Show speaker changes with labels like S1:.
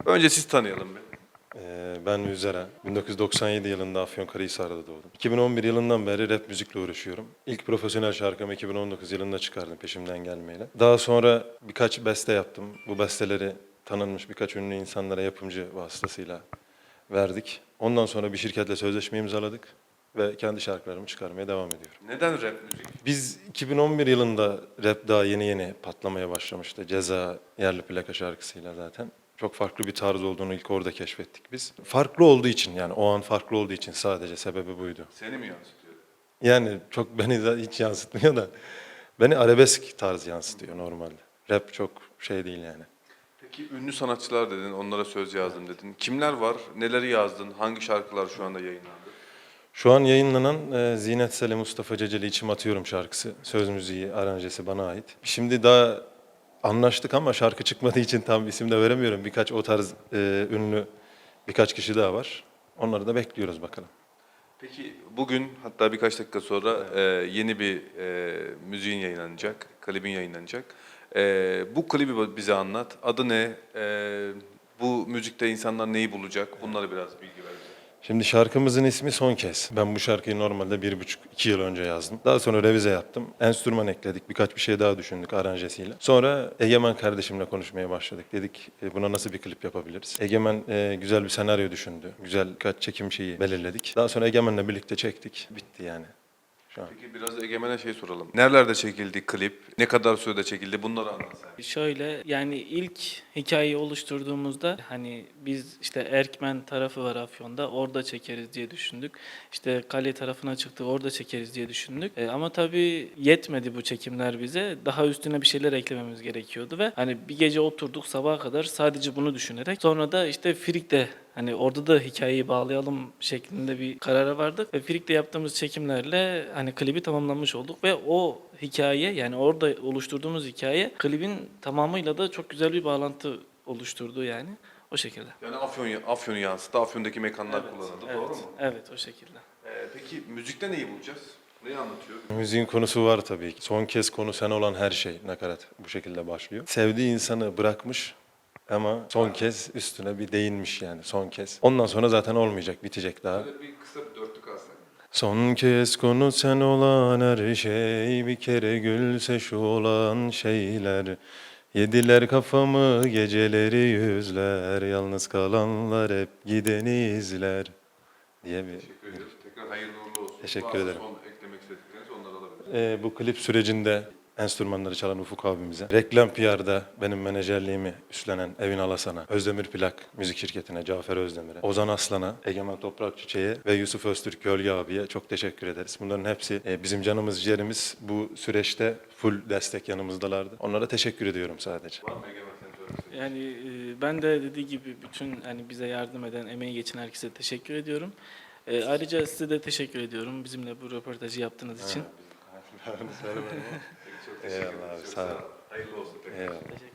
S1: Önce siz tanıyalım bir.
S2: Ben Üzera. 1997 yılında Afyonkarahisar'da doğdum. 2011 yılından beri rap müzikle uğraşıyorum. İlk profesyonel şarkımı 2019 yılında çıkardım Peşimden Gelmeyle. Daha sonra birkaç beste yaptım. Bu besteleri tanınmış birkaç ünlü insanlara yapımcı vasıtasıyla verdik. Ondan sonra bir şirketle sözleşme imzaladık ve kendi şarkılarımı çıkarmaya devam ediyorum.
S1: Neden rap müzik?
S2: Biz 2011 yılında rap daha yeni yeni patlamaya başlamıştı. Ceza yerli plaka şarkısıyla zaten. Çok farklı bir tarz olduğunu ilk orada keşfettik biz. Farklı olduğu için yani o an farklı olduğu için sadece sebebi buydu.
S1: Seni mi yansıtıyor?
S2: Yani çok beni de hiç yansıtmıyor da beni arabesk tarz yansıtıyor normalde. Rap çok şey değil yani.
S1: Peki ünlü sanatçılar dedin, onlara söz yazdım dedin. Kimler var? Neleri yazdın? Hangi şarkılar şu anda yayınlandı?
S2: Şu an yayınlanan Zinet Sele Mustafa Ceceli İçim Atıyorum şarkısı. Söz müziği, aranjesi bana ait. Şimdi daha anlaştık ama şarkı çıkmadığı için tam isim de veremiyorum. Birkaç o tarz ünlü birkaç kişi daha var. Onları da bekliyoruz bakalım.
S1: Peki bugün hatta birkaç dakika sonra yeni bir müziğin yayınlanacak, klibin yayınlanacak. Bu klibi bize anlat. Adı ne? Bu müzikte insanlar neyi bulacak? Bunları biraz bilgi ver bize.
S2: Şimdi şarkımızın ismi Son Kez. Ben bu şarkıyı normalde 1,5-2 yıl önce yazdım. Daha sonra revize yaptım. Enstrüman ekledik. Birkaç bir şey daha düşündük aranjesiyle. Sonra Egemen kardeşimle konuşmaya başladık. Dedik buna nasıl bir klip yapabiliriz? Egemen güzel bir senaryo düşündü. Güzel birkaç çekim şeyi belirledik. Daha sonra Egemen'le birlikte çektik. Bitti yani. Şu an.
S1: Peki biraz Egemen'e şey soralım. Nerelerde çekildi klip? Ne kadar sürede çekildi? Bunları anlat sen.
S3: Şöyle yani ilk hikayeyi oluşturduğumuzda hani biz işte Erkmen tarafı var Afyon'da orada çekeriz diye düşündük. İşte Kale tarafına çıktık orada çekeriz diye düşündük. Ama tabii yetmedi bu çekimler bize. Daha üstüne bir şeyler eklememiz gerekiyordu ve hani bir gece oturduk sabaha kadar sadece bunu düşünerek. Sonra da işte Frik'te hani orada da hikayeyi bağlayalım şeklinde bir karara vardık ve Frik'te yaptığımız çekimlerle hani klibi tamamlamış olduk ve o hikaye yani orada oluşturduğumuz hikaye klibin tamamıyla da çok güzel bir bağlantı oluşturdu yani o şekilde.
S1: Yani Afyon'u yansıttı. Afyon'daki mekanlar kullanıldı.
S3: Evet,
S1: Doğru mu?
S3: evet o şekilde.
S1: Peki müzikte neyi bulacağız? Neyi anlatıyor?
S2: Müziğin konusu var tabii ki. Son kez konu sen olan her şey nakarat bu şekilde başlıyor. Sevdiği insanı bırakmış ama son kez üstüne bir değinmiş yani son kez. Ondan sonra zaten olmayacak, bitecek daha.
S1: Böyle bir kısa bir dörtlük alsak.
S2: Son kez konu sen olan her şey, bir kere gülse şu olan şeyler. Yediler kafamı geceleri yüzler, yalnız kalanlar hep gideni izler diye bir...
S1: Teşekkür ediyoruz. Tekrar hayırlı uğurlu olsun.
S2: Teşekkür
S1: Varsa
S2: ederim.
S1: son eklemek istedikleriniz onları alabiliriz.
S2: Bu klip sürecinde enstrümanları çalan Ufuk abimize, reklam PR'da benim menajerliğimi üstlenen Evin Alasan'a, Özdemir Plak müzik şirketine, Cafer Özdemir'e, Ozan Aslan'a, Egemen Toprak Çiçek'e ve Yusuf Öztürk Gölge abiye çok teşekkür ederiz. Bunların hepsi bizim canımız ciğerimiz. Bu süreçte full destek yanımızdalardı. Onlara teşekkür ediyorum sadece.
S1: Var mı Egemen senin söylemek istediğin?
S3: Yani ben de dediği gibi bütün hani bize yardım eden, emeği geçen herkese teşekkür ediyorum. Ayrıca size de teşekkür ediyorum bizimle bu röportajı yaptığınız için.
S1: Peki, çok teşekkür
S2: Eyvallah
S1: ederiz.
S2: abi,
S1: Çok
S2: sağ ol.
S1: Hayırlı olsun tekrar.
S2: Eyvallah.